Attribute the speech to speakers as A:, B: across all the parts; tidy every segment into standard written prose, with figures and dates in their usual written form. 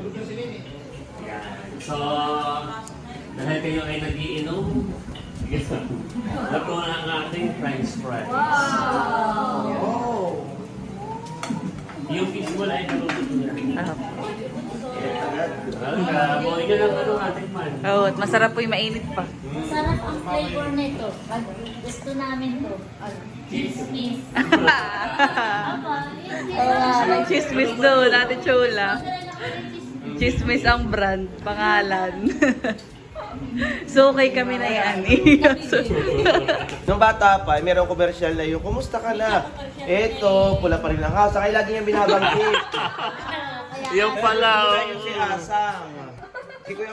A: Yan. So, dahil kayo ay nag-iinom, luto na ang ating French fries.
B: Wow!
A: Yung fish ball ay naluto na. Buhay ka lang ano ating man.
C: Oo, at masarap po yung mainit pa.
D: Masarap ang flavor nito. Pag gusto namin to. Chismis.
C: Chismis doon, Ate Chola. Chismis ang brand, pangalan. So, okay kami na yan.
B: Nung bata pa, mayroong komersyal na yung, kumusta ka na? Eto, pula pa rin ang hasa. Kaya lagi niyang binabanggit.
A: Yung pala.
B: Kaya yung si Asang. Si Kuya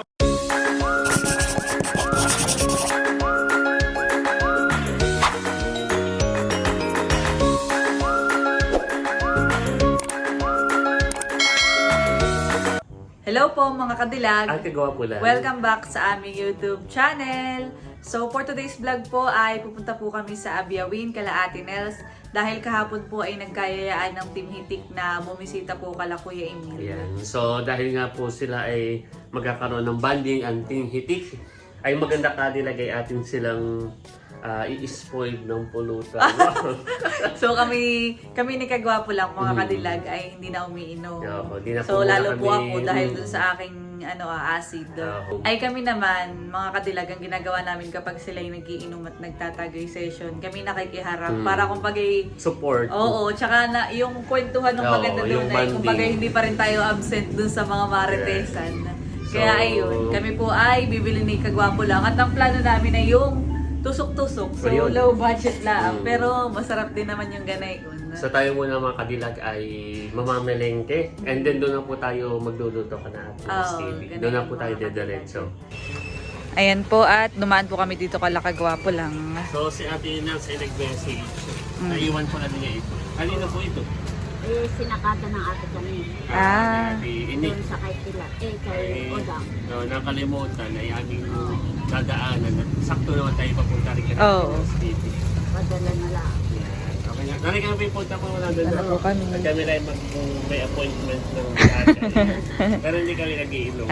C: Hello po mga kadilag.
A: Ate Gwapo lang.
C: Welcome back sa aming YouTube channel. So for today's vlog po ay pupunta po kami sa Abiawin kala Ate Nels dahil kahapon po ay nagkayayaan ng Team Hitik na bumisita po kala Kuya Emil.
A: Ayan. So dahil nga po sila ay magkakaroon ng banding ang Team Hitik, ay maganda kadilagay atin silang i-spoil ng pulutan.
C: So kami ni Kagwapo lang mga kadilag ay hindi na umiinom.
A: Oo, di na po
C: So
A: muna
C: lalo po
A: kami
C: ako dahil dun
A: umiinom.
C: sa aking acid.
A: Oo.
C: Ay kami naman mga kadilag ang ginagawa namin kapag sila ay nagiinom at nagtatagay session. Kami nakikiharap para kumbaga
A: Support.
C: oo, tsaka na yung kwentuhan ng
A: Oo,
C: maganda
A: yung
C: doon ay
A: banding.
C: kumbaga hindi pa rin tayo absent dun sa mga maritesan. Kaya
A: So,
C: ayun, kami po ay bibili ni Kagwapo lang at ang plano namin ay yung tusok-tusok. So
A: Ayun.
C: low budget lang pero masarap din naman yung ganay.
A: So tayo muna mga kadilag ay mamamelengke and then doon na po tayo magluluto ka na at
C: ganun
A: doon na
C: yung
A: po tayo
C: mga
A: dediretso.
C: Ayan po at dumaan po kami dito kala Kagwapo lang.
A: So si Ate Nels ay nag-message. Naiwan ko na niya ito. Kanina po ito.
D: Eh, sinakata ng ate kami.
C: Ah.
A: Ate Ini.
D: Doon sa kay Pilar. Kay Odang.
A: No, nakalimutan ay aming dadaanan. Sakto naman tayo papunta rin kami.
C: Oo.
D: Padala na lang.
A: Okay na. Nari kami punta po na doon.
C: Ano po kami?
A: At kami lang may appointment ng ate. Pero hindi kami nag-iinom.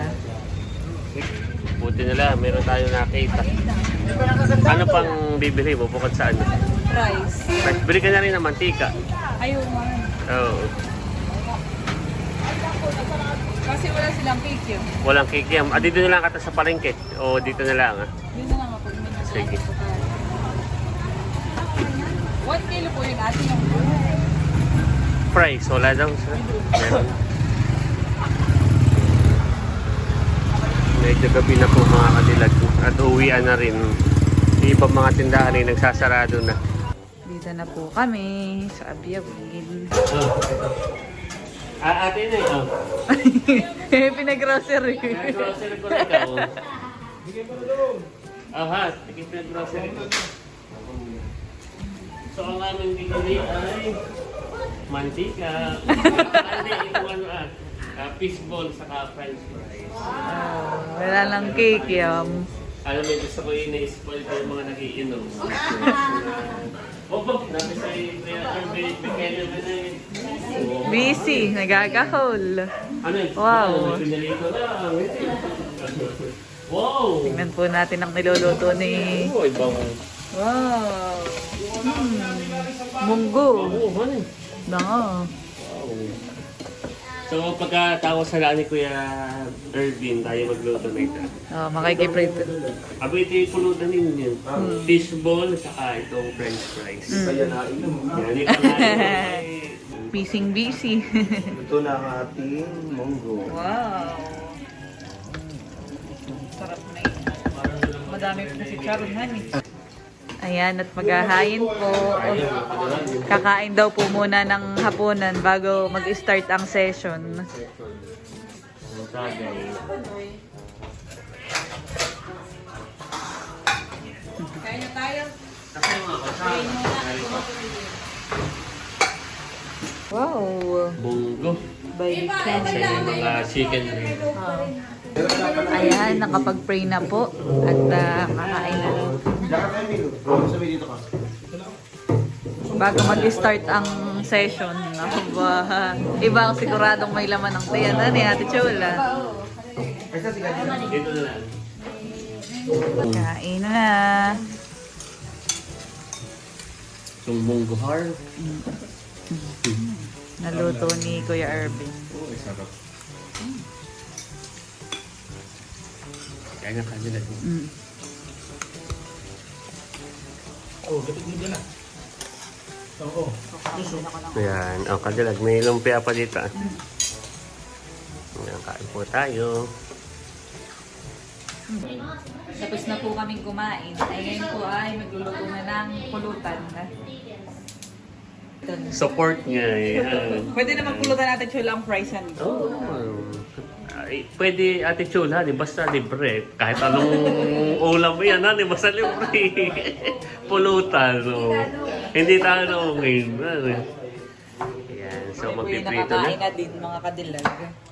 A: Buti nila, meron tayo nakita. Ano pang bibili mo bukod sa ano?
C: Rice.
A: Bili ka na rin ng mantika.
C: Ayun man.
A: Oo.
C: Kasi wala silang cake yun.
A: Walang kikiam. Dito na lang kata sa palengke. O dito na lang.
C: Yun na lang ako.
A: Sige.
C: 1 kilo po yung ating yung
A: Fries, wala daw. Meron. Medyo gabi na po mga kadilag. At uwian na rin. Yung ibang mga tindahan ay nagsasarado na.
C: Dito na po kami sa Abiawin.
A: Ate na yun.
C: Pinag-grocery.
A: Grocery ko na ikaw. Ha, tigit na grocery ko. So ang aming bigili ay mantika. Hindi, ito ano fishball saka french fries.
C: Wala lang cake yun.
A: Alam mo, gusto ko yung na-spoil ko yung mga nagiinom. Opo, nabi sa bigyan naman na yun.
C: Busy, nagagahol.
A: Ano yun?
C: Wow.
A: May pinalito lang. Wow!
C: Tingnan po natin ang niluluto ni...
A: Oh, ibang...
C: Wow! Munggo.
A: Oo, ano yun?
C: Wow.
A: So, pagkatapos sa ni Kuya Ervin, tayo magluto na ito.
C: Oh, makikiprito.
A: Abo ito yung pulutan ninyo. Fishball, saka itong french fries.
B: Kaya nainom.
A: Yan, ito nga
C: Busy.
B: Ito na ang ating munggo.
C: Wow! Sarap na yun. Madami po si Charon honey. Ayan, at maghahain po. Kakain daw po muna ng hapunan bago mag-start ang session. Kain na tayo. Wow!
A: Bunggo.
C: Bacon.
A: Sa yung mga chicken rin.
C: Ayan, nakapag-pray na po. At kakain na.
B: Diyan ka, Emil. Sabi dito ka.
C: Bago mag-start ang session. Aba, iba ang siguradong may laman ng tiyan. Ano ni Ate Chola?
B: Basta si Cadillac.
A: Dito na lang.
C: Kain na.
A: Sumbong guhar.
C: Naluto ni Kuya Irvin.
A: Oh, sarap. Kaya nga kanila.
C: Mm.
A: Ayan, kadilag. May lumpia pa dito. Ayan, kain po tayo.
C: Tapos na po kaming kumain. Ay ngayon po ay magluluto na ng pulutan.
A: Support niya. Ayan.
C: Pwede naman pulutan natin Chola ang fries yan.
A: Oh. Ay, pwede Ate Chula, di basta libre. Kahit anong ulam mo yan, di basta libre. Pulutan. So, hindi tanongin. Ayan, so
C: Kami po yung
A: magpiprito
C: nakakain
A: na.
C: na din mga kadilag.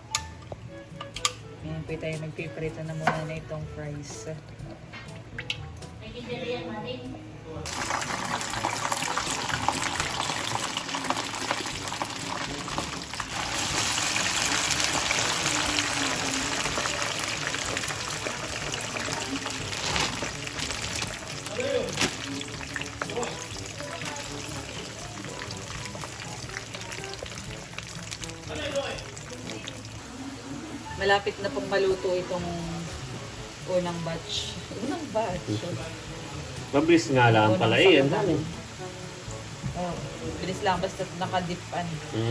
C: Ngayon po tayo magpiprito na muna na itong fries. Malapit na pong maluto itong unang batch. Unang batch?
A: Mabilis nga lang pala eh.
C: Oh, bilis lang basta nakadipan.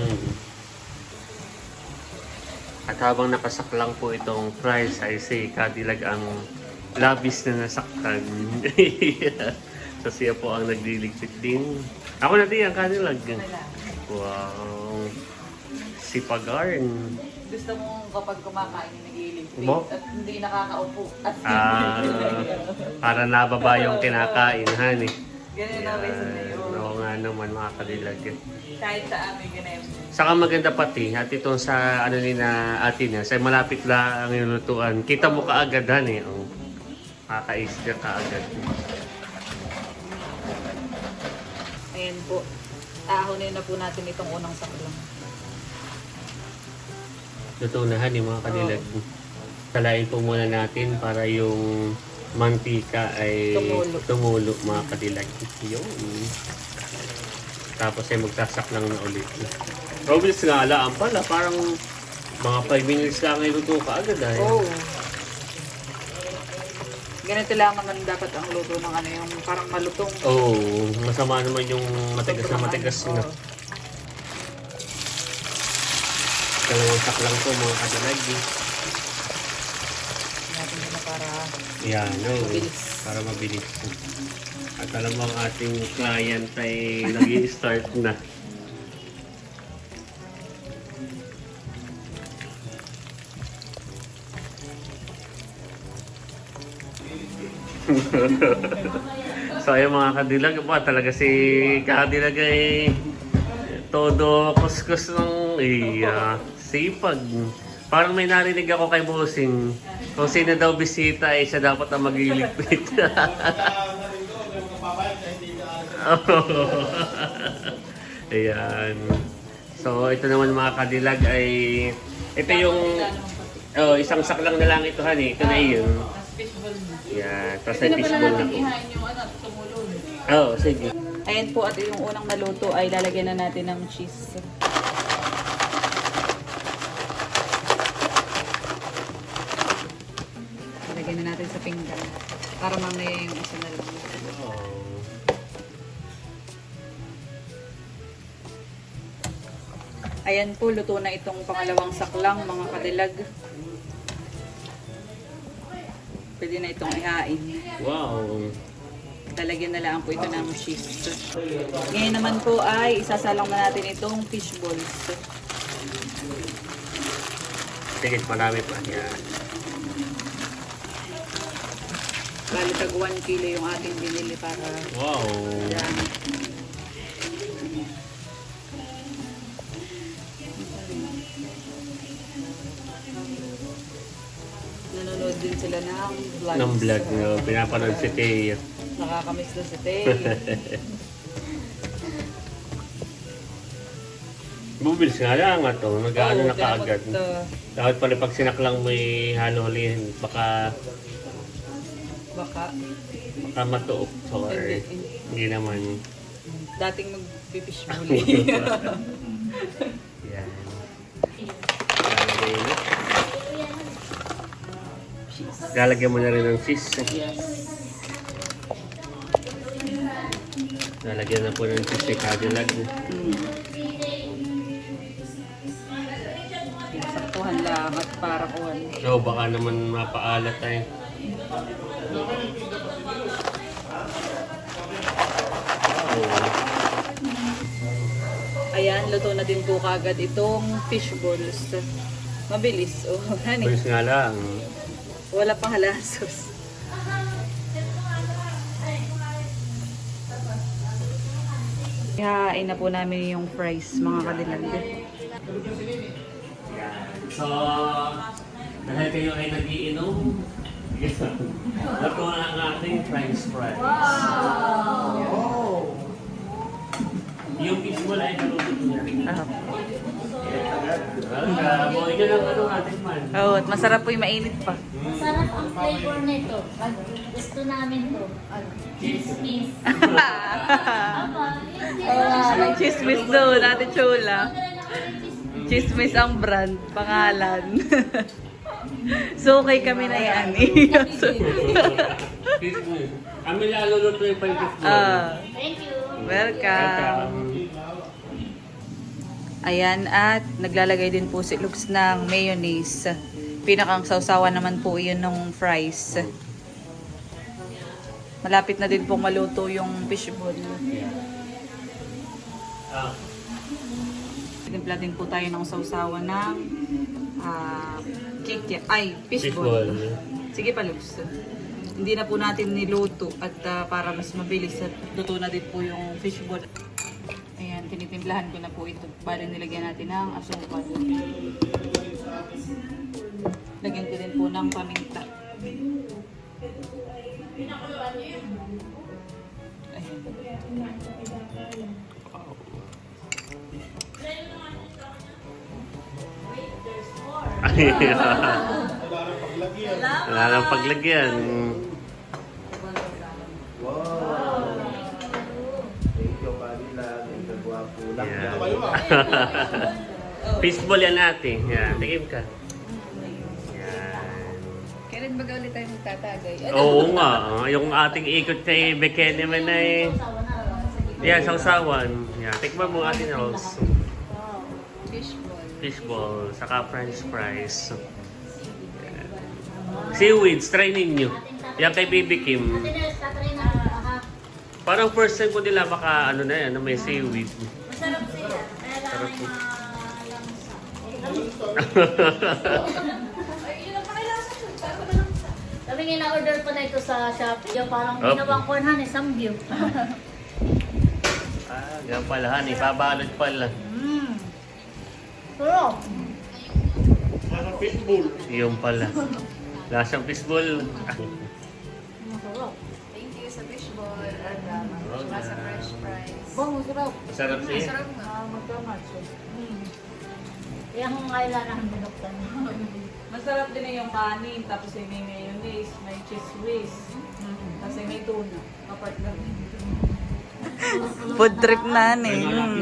A: At habang nakasaklang po itong fries, ay si Cadillac ang labis na nasaktan. So siya po ang nagliligpit din. Ako na din ang Cadillac. Wow. Si Pagarn.
C: Gusto mo kapag kumakain nag-iiligpit
A: Mo?
C: at hindi nakakaupo. At
A: Para nababa yung kinakain, honey.
C: ganun na reason na yun.
A: Oo nga naman mga Cadillac.
C: Kahit sa amin ganun.
A: Saka maganda pati, at itong sa ano ni na atin na, sa malapit lang ang inutuan. Kita mo kaagad honey. Oh. Kakaisip ka agad.
C: Ayan po. Ahonin na po natin itong unang saklang.
A: Luto na honey mga Cadillac. Salain po muna natin para yung mantika ay tumulo mga Cadillac. Yun. Tapos ay magsasaklang na ulit. Mabilis nga alaan pala. Parang mga 5 minutes lang ay luto ka agad ay.
C: Oh. Ganito lang naman dapat ang luto ng ano yung parang malutong.
A: Oo, masama naman yung matigas na matigas na. Dalawang saklang po mga Cadillac.
C: Natin na para
A: Yan, no.
C: Mabilis.
A: Para mabilis. At alam mo ang ating client ay nag-i-start na. So ayun mga Cadillac po, talaga si Cadillac ay todo kuskus ng sipag. Parang may narinig ako kay Bossing. Kung sino daw bisita ay siya dapat ang magliligpit. Ayan. So ito naman mga Cadillac ay ito yung isang saklang na lang ito honey. Ito na yun. Yeah, tapos ay fishball na po. Oo, sige.
C: Ayan po at yung unang naluto ay lalagyan na natin ng cheese. Lalagyan na natin sa pinggan. Para mamaya yung isa na lang. Ayan po, luto na itong pangalawang saklang mga Cadillac. Pwede na itong ihain.
A: Wow.
C: Talagyan na lang po ito ng cheese. Ngayon naman po ay isasalang na natin itong fish balls.
A: Sige, marami pa. Yan.
C: Bali tag 1 kilo yung ating binili para
A: Wow.
C: dami. Nanonood din sila ng vlogs.
A: Ng vlog nyo. Pinapanood si Teo.
C: Nakakamiss na si Tay.
A: Bubilis nga lang nga to. Nag-ano na
C: dapat,
A: kaagad. Dapat pala pag sinaklang may halo-halihin, baka
C: baka
A: matuok. Or hindi naman.
C: dating mag-fish bully.
A: Yan. Lalagay mo. Lalagyan mo na rin ng cheese. Lalagyan na po ng cheese si Cadillac.
C: Saktuhan lang at para kuhan.
A: So baka naman mapaalat tayo.
C: Ayan, luto na din po kagad itong fish balls. Mabilis. Oh, honey.
A: Bilis nga lang.
C: Wala pang halasos. Ihahain na po namin yung fries, mga kadilag.
A: So, dahil kayo ay nagiinom, luto na ang ating french fries. Wow! Yung fish ball ay naluto niya. Welcome! O, yun ang ano natin man.
C: Oh, at masarap po yung mainit pa.
D: Masarap ang flavor nito. Pag gusto namin to. Chismis.
C: May chismis doon, Ate Chula. Chismis ang brand, pangalan. So, okay kami na yan.
A: Kami lalo luto yung fish ball.
D: Thank you.
C: Welcome. Ayan, at naglalagay din po si Lux ng mayonnaise. Pinakang sausawan naman po yun ng fries. Malapit na din pong maluto yung fish ball. Timpla din po tayo ng sausawan ng fish ball. Sige pa, Lux. Hindi na po natin niluto at para mas mabilis at luto na din po yung fish ball. Ayan, tinitimplahan ko na po ito. Bali nilagyan natin ng asukal. Lagyan ko din po ng paminta. Ayan.
A: Wala nang paglagyan.
B: Wow! Thank you, Cadillac. Thank you, guwapo.
A: Yan. Fishball yan natin. Yan, tingin ka. Yan.
C: Kailan ba ulit tayo magtatagay?
A: Oo nga. Yung ating ikot kay Bekene man ay... Yan, sausawan. Yan, tikman mo atin Rose.
C: Fish ball.
A: Fishball, saka french fries. Yan. Seaweeds, try ninyo. Yan kay Baby Kim.
D: Tatry na ito.
A: Parang first time ko nila maka ano na yan, may seaweed.
D: Masarap sila. Kaya lang ay kami nga na-order pa na ito sa Shopee. Yung parang ginawang cornhan eh, samgyup.
A: Yan pala, honey. Pabalot pala.
D: Pero,
A: Yung pala. Lasang fishball.
D: masarap.
C: Thank you sa fish ball at sa fresh fries.
D: Masarap.
A: Masarap siya.
D: Kaya kung kailangan binuktan.
C: Masarap din na yung kanin, tapos ay may mayonnaise, may cheese whiz, tapos ay may tuna. Apart lang. Food trip na eh.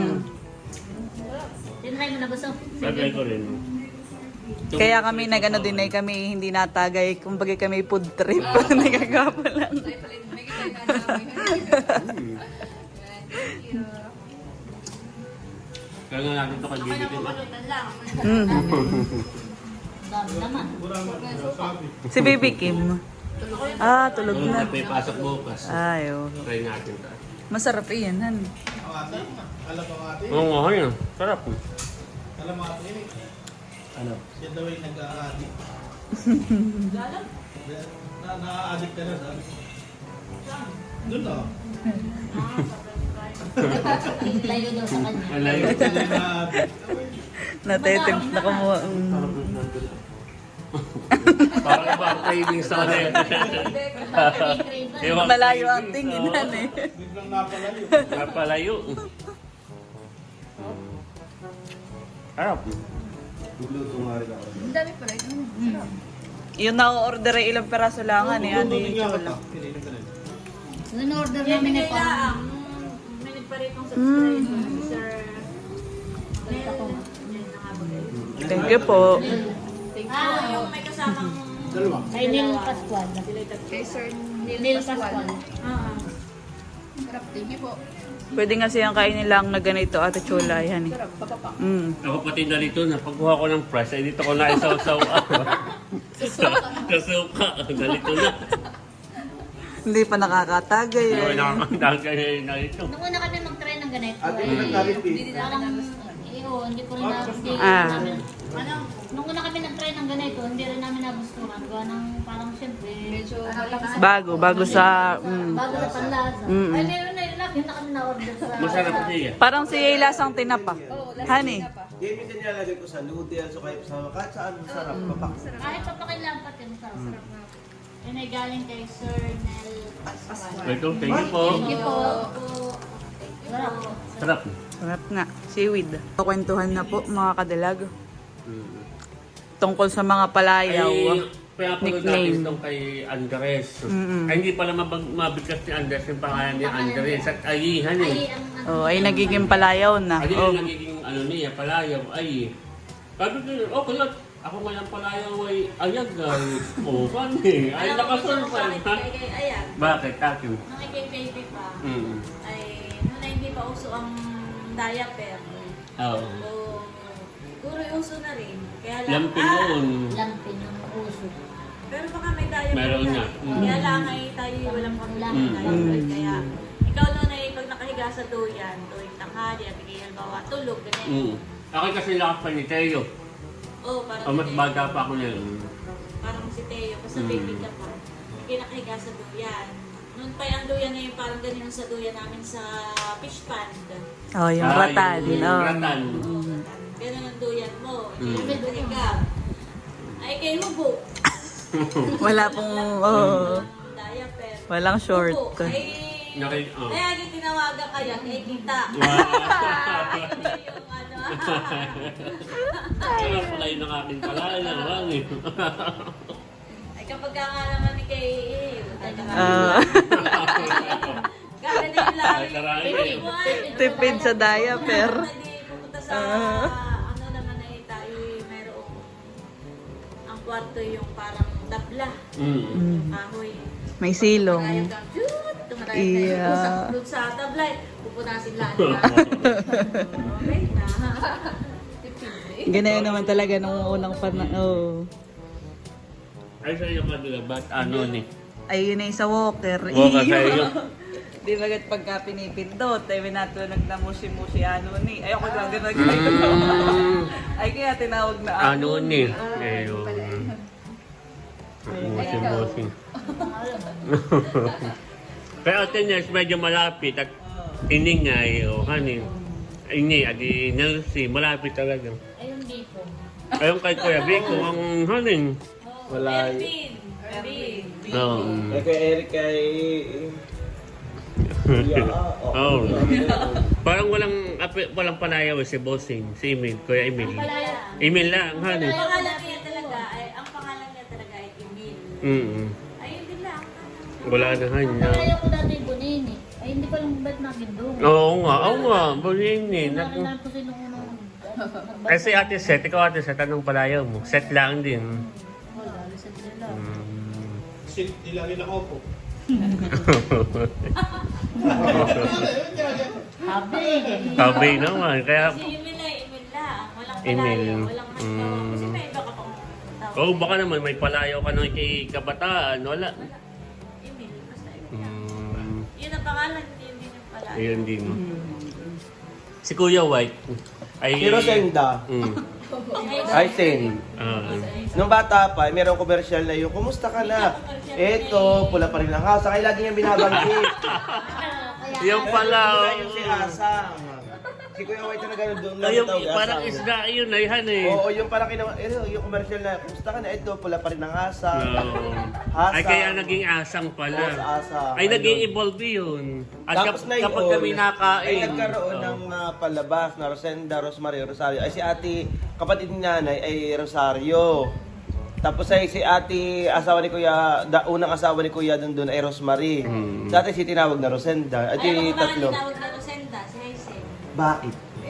D: Tinry mo na gusto.
A: Sagay ko rin.
C: Kaya kami nagano din ay kami hindi natagay, kumbaga kami food trip. Nagagapo lang.
A: Kaya nga natin ito kay Baby Kim.
D: Dami naman.
C: Si Baby Kim. Tulog na.
A: May pasok bukas.
C: Ay, oh.
A: Try natin ito.
C: Masarap iyan, han.
A: Oo nga, yun. Sarap.
E: Alam mo ate,
B: Ano?
E: siya daw ay nag-a-addict. Na-a-addict ka na sabi. Doon na.
D: Layo daw sa kanya.
A: Alay.
E: Siya na na-a-addict.
C: Natetem na kumuha.
A: Parang iba ang cravings sa kanil.
C: Malayo ang tingin, han eh.
E: Biglang napalayo.
A: Napalayo. Harap.
B: Nagluto nga rin ako.
F: Ang dami pala ito.
C: Yung na-order ay ilang peraso lang, ano yan,
E: Hindi
C: di
E: nga
C: chocolate.
E: ako. Pinainom ka na.
D: Yung order namin na parang
F: May nagparitong subscribe. Sir.
C: Thank you po.
F: Yung may kasamang
E: Dalawa.
D: kay Neil Pascual.
F: kay Sir
D: Neil
F: Neil
D: Pascual.
F: Pascual. Sarap. Thank you po.
C: Pwede nga siyang kainin lang na ganito, Ate Chula, yan eh.
F: Sarap. Papapak.
A: Ako pati narito na pagkuha ko ng price, ay dito ko na isaw-saw ako. Sa suka. Narito na.
C: Hindi pa nakakatagay
A: Hindi ko
C: eh.
A: nakakandagay na ito.
D: Nung una kami mag-try ng ganito,
B: Ate, hindi nagkabit
D: parang, hindi ko rin
C: Ah.
D: Nung una kami nag-try ng ganito, hindi rin namin nagustuhan. Gawa ng parang siyempre,
F: Medyo
C: Bago sa...
D: bago na panlasa.
C: Mm.
D: Ay, meron na yun na kami na-order sa...
A: Masarap siya.
C: Parang si lasang tinapa. Honey.
B: Yan minsan nilalagay ko sa noodles o kaya sa kahit saan masarap. Papak.
D: Kahit papakilampat yun, sarap. Yun ay galing kay Sir Nel Pascual.
A: Ito, thank you po.
D: Thank you po. Sarap.
A: Sarap.
C: Sarap nga. Seaweed. Kwentuhan na po mga kadalag. Tungkol sa mga palayaw.
A: Kaya pala
C: Nickname.
A: natin itong kay Andres. Ay, hindi pala mabigkas ni Andres yung pangalan ni Andres. At ayihan eh.
D: Ay, ang
C: Oh, ay nagiging palayaw na.
A: Ay,
C: Oh.
A: yung nagiging ano niya, palayaw, ay. Sabi ko, oh, kaya ako ngayon palayaw ay ayag ay. Oh, paano eh? Ay, nakasurprise. Ha?
F: Ayan.
A: Bakit, Taki?
F: Nung kay baby pa,
A: Mm.
F: ay nung na hindi pa uso ang diaper.
A: Oo.
F: So, siguro uso na rin. Kaya lang,
A: Lampin noon.
D: lampin yung uso.
F: pero baka may diaper
A: Meron
F: na.
A: nga.
F: Kaya lang ay tayo walang pamilya ng diaper. Kaya ikaw noon ay pag nakahiga sa duyan, tuwing tanghali at bigay halimbawa tulog, ganyan.
A: Mm. Ako kasi lakas pa ni Teo.
F: Oh, parang
A: O, mas
F: si Teo.
A: bata pa ako niya.
F: Parang si Teo, basta baby ka pa. Hindi nakahiga sa duyan. Noon pa yung duyan na yung parang ganyan sa duyan namin sa fish pond.
C: Oh, yung ratan.
A: Yung
C: Oh.
A: ratan.
F: Ganun ang duyan mo.
A: Mm.
F: Hindi ka. Ay kay Hubo.
C: Wala pong... Oh.
F: Diaper.
C: Walang short.
F: Hubo. Ay...
A: Oh.
F: Kaya tinawagan kaya, kay kita.
A: Wow.
F: Yung ano.
A: Kaya pala yun ang aking palayaw. eh.
F: Ay kapag ka nga naman ni kay...
C: Ah.
F: Gaganda yung lari.
A: Ay, karay.
C: Tipid sa diaper.
F: Hindi pupunta sa... Ano naman ay tayo mayroong... Ang kwarto yung parang tabla.
A: Mm.
F: Kahoy.
C: May silong.
F: Ayun ka, shoot! Tumatay
C: Iya.
F: tayo. Doon sa tabla, pupunasin lahat. Okay na.
C: Ganayon naman talaga nung unang panahon. Oh.
A: Ay, sa iyo madula, ba't ano ni?
C: Ay, yun ay sa walker.
A: Walker sa iyo.
C: Di bagat pagka pinipindot, ay minatunog na musi-musi ano ni. Ay, ako lang ganun. Ay, kaya tinawag na
A: Ano ni? Ayun. Bossing. Pero Tenes, medyo malapit at iningay o hanin. Ini, adi Nelsie, malapit talaga.
D: Ayun dito.
A: Ayun kay Kuya Vico, ang hanin.
B: Wala.
F: Ervin. Ervin.
A: No.
B: Eh kay Eric kay... Yeah,
A: Oh. Parang walang palayaw si Bossing, si Emil, Kuya Emil. Emil lang, hanin.
F: Ang pangalan niya talaga ay Emil. Ayun din lang.
A: Wala na hanya.
D: Kaya ko dati bunin eh. Ay, hindi ko lang ba't nagindong.
A: Oo nga, Bonini.
D: Narinan ko sinong unang...
A: Ay si Ate Seth, ikaw Ate Seth, anong palayaw mo? Set lang din.
D: Wala, lisad sila.
E: Kasi di lagi nakaupo.
D: Habi.
A: Sabi naman, kaya...
F: Si Emil ay Emil lang. Walang
A: Emil.
F: palayo. Walang ano. Kasi may iba ka pang tawag.
A: Oh, baka naman may palayaw ka ng kay kabataan. Wala.
F: Emil. Basta Emil. Yun ang pangalan. Yun din yung palayo.
A: Ayun din. Si Kuya White. Ay...
B: Si Rosenda. Ay, Sen. Nung bata pa, mayroong komersyal na yung, kumusta ka na? Eto, pula pa rin ang house. Kaya lagi niyang binabanggit.
A: Yung pala.
B: Wala yung si Asang. Si Kuya White talaga doon lang
A: Ay, yung,
B: tawag,
A: parang
B: asawa.
A: isda yun, ay han eh.
B: Oo, yung parang yung commercial na, kumusta ka na? Ito, pula pa rin ang asa.
A: Oo.
B: Asang.
A: Ay, kaya naging asang
B: Oo,
A: pala.
B: sa asang.
A: Ay,
B: Ayun.
A: nag-i-evolve yun. At
B: Tapos na
A: kapag
B: yun,
A: kami nakain.
B: ay nagkaroon
A: Oo.
B: ng palabas na Rosenda, Rosemary, Rosario. Ay si ate, kapatid ni nanay ay Rosario. Tapos ay si ate, asawa ni Kuya, unang asawa ni Kuya doon ay Rosemary.
A: Hmm.
B: Sa ate si tinawag na Rosenda. At
F: Ay,
B: yung
F: ano ba
B: tatlo.
F: tinawag na Rosenda? Si Hazel.
B: Bakit?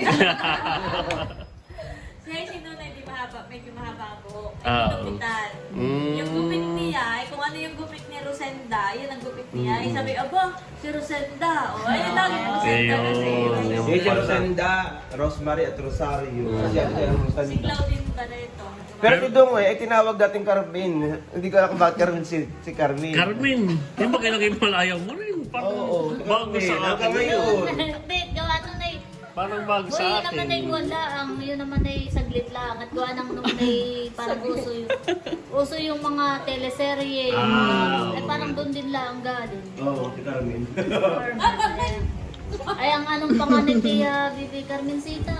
F: Si Hazel noon ay di mahaba, medyo mahaba ang buhok. Ay,
A: Ah.
F: ginupitan.
A: Mm.
F: Yung gupit niya, ay kung ano yung gupit ni Rosenda, yun ang gupit niya. Ay sabi, aba, si Rosenda. O, ayun lang, Rosenda kasi.
A: Ayun, yung
B: Si
A: pala.
B: Rosenda, Rosemary at Rosario. Kasi ate ay
F: Si
B: Rosenda.
F: Claudine ba na ito?
B: Pero si Dong ay tinawag dating Carmen. Hindi ko alam kung bakit Carmen si Carmen.
A: Carmen, yung ba kailangan malayaw mo rin? Parang
B: Oo,
A: bago sa
B: hanggang
A: akin.
B: ngayon.
D: Hindi, gawa nun ay,
A: Parang bago
D: Uy,
A: sa
D: yun
A: akin.
D: naman ay wala. Yun naman ay saglit lang. At gawa nang nung ay parang uso yung mga teleserye.
A: Ah,
D: Ay parang doon din lang galing.
B: Oo, si Carmen.
D: Ay, ang anong pangalan ni Bibi Carmencita?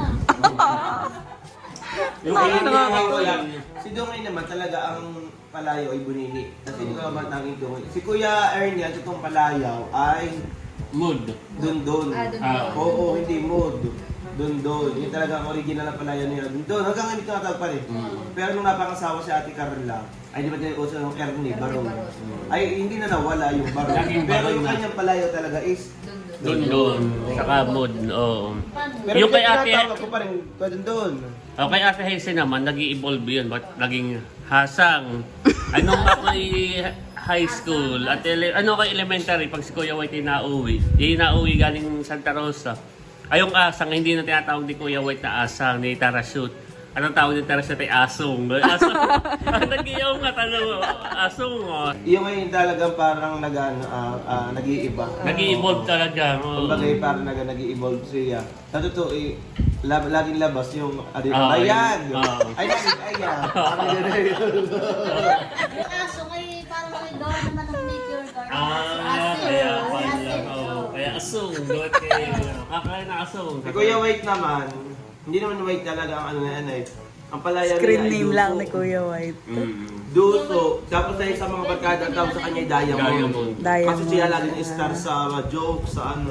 B: Yung kaya si Dongay naman talaga ang palayaw ay bunini. Kasi hindi ko naman tanging Dongay. Si Kuya Ernie, ang totoong palayaw ay
A: Mood.
B: Dundon.
A: Ah.
B: Oo, hindi mood. Dundon. Yung talaga ang original na palayaw niya. Dundon. Hanggang ngayon tinatawag pa rin. Pero nung napangasawa si Ate Carla, ay di ba din uso ng Ernie, Barong. Ay hindi na nawala yung Barong.
A: Laging
B: Pero
A: Barong
B: yung
A: na.
B: kanyang palayaw talaga is
A: Dundon. Saka mood, oo.
D: Paano?
B: Pero
A: Yung kay Ate-
B: tinatawag ko pa rin kwa Dundon.
A: Okay, Ate Hazel naman, nag-i-evolve yun. Ba't naging hasang? Anong ako'y high school at ano kay elementary pag si Kuya White ay nauwi. Yung nauwi galing Santa Rosa. Ay yung asang, hindi na tinatawag ni Kuya White na asang, ni Tarashoot. Anong tawag ni Tarashoot ay asong. Asong. Nag-iyaw nga tanong, asong. Oh.
B: Yung ngayon talagang parang nag-iiba.
A: Nag-i-evolve talaga. Oh.
B: Kumbaga parang nag-i-evolve siya. Sa totoo, laging labas yung
A: Ah,
B: ayan.
A: ah.
B: Ay, laging ayan. Parang ganun.
D: Yung aso ay parang may gawa naman ng Nature Garden.
A: Ah, kaya pala. Oh, kaya asong. Doon kay kakain na asong.
B: Si Kuya White naman, hindi naman White talaga ang ano na yan eh. Ang palaya
C: Screen
B: niya ay
C: name
B: Duso.
C: lang ni Kuya White.
B: Duso. Tapos ay sa mga barkada, ang tawag sa kanya ay Diamond.
A: Diamond.
B: Kasi siya
C: Diamond.
B: laging star sa joke, sa ano.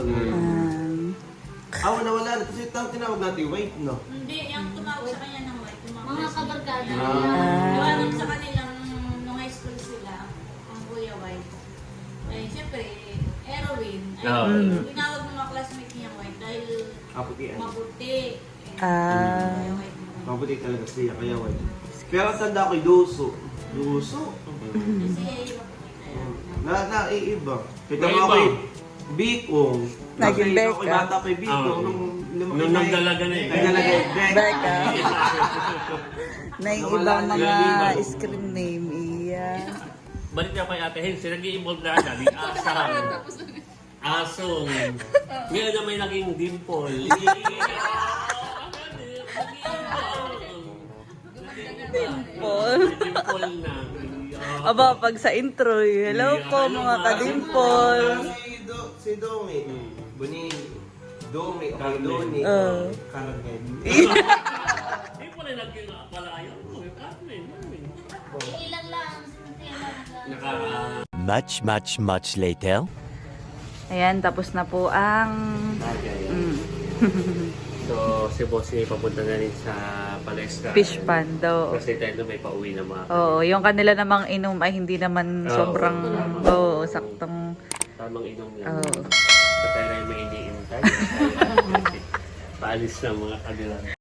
B: Nawala na. Kasi tinawag natin White, no?
F: Hindi, yung tumawag sa kanya ng white, tumawag
D: Mga
F: sa
D: kabarkada.
F: Gawa nung sa kanilang, nung high school sila, ang Kuya White, ay siyempre, heroine. Ay, tinawag ng mga classmate niyang white dahil
B: Kaputian.
F: maputi.
C: Ah.
F: Kuya White.
B: Mabuti talaga siya, kaya White. Pero ang tanda ko, Duso. Duso?
F: Kasi maputi na.
B: Naiiba. Kita mo
A: Naiiba.
B: ako Bikong.
C: Naging
B: Kasi ako
C: Becca.
B: bata pa Bikong. Nung lumaki
A: Nung
B: na
A: nagdalaga na eh.
B: Nagdalaga eh.
C: Becca. Na yung ibang mga
A: Lima.
C: screen name. Iya.
A: Balik na kay Ate Hazel, nag-i-evolve na dali asang. Asong. Ngayon na may naging dimple.
C: Dimple.
A: Dimple na.
C: Aba, pag sa intro, hello po mga kadimple.
B: Si Domi. Buni. Domi. Kay Doni. Karagay.
A: Hindi po rin naging pala ayaw mo. Yung Carmen.
D: Ilan lang.
A: Naka...
G: Much later.
C: Ayan, tapos na po ang...
A: So, si Bossy papunta na rin sa palestra.
C: Fish pan daw.
A: Kasi tayo may pauwi na mga.
C: Oo, yung kanila namang inom ay hindi naman
A: Oo.
C: sobrang... Oo, saktong...
A: Tamang inom lang.
C: Oo.
A: So, tayo na may iniintay. Paalis na mga kanila.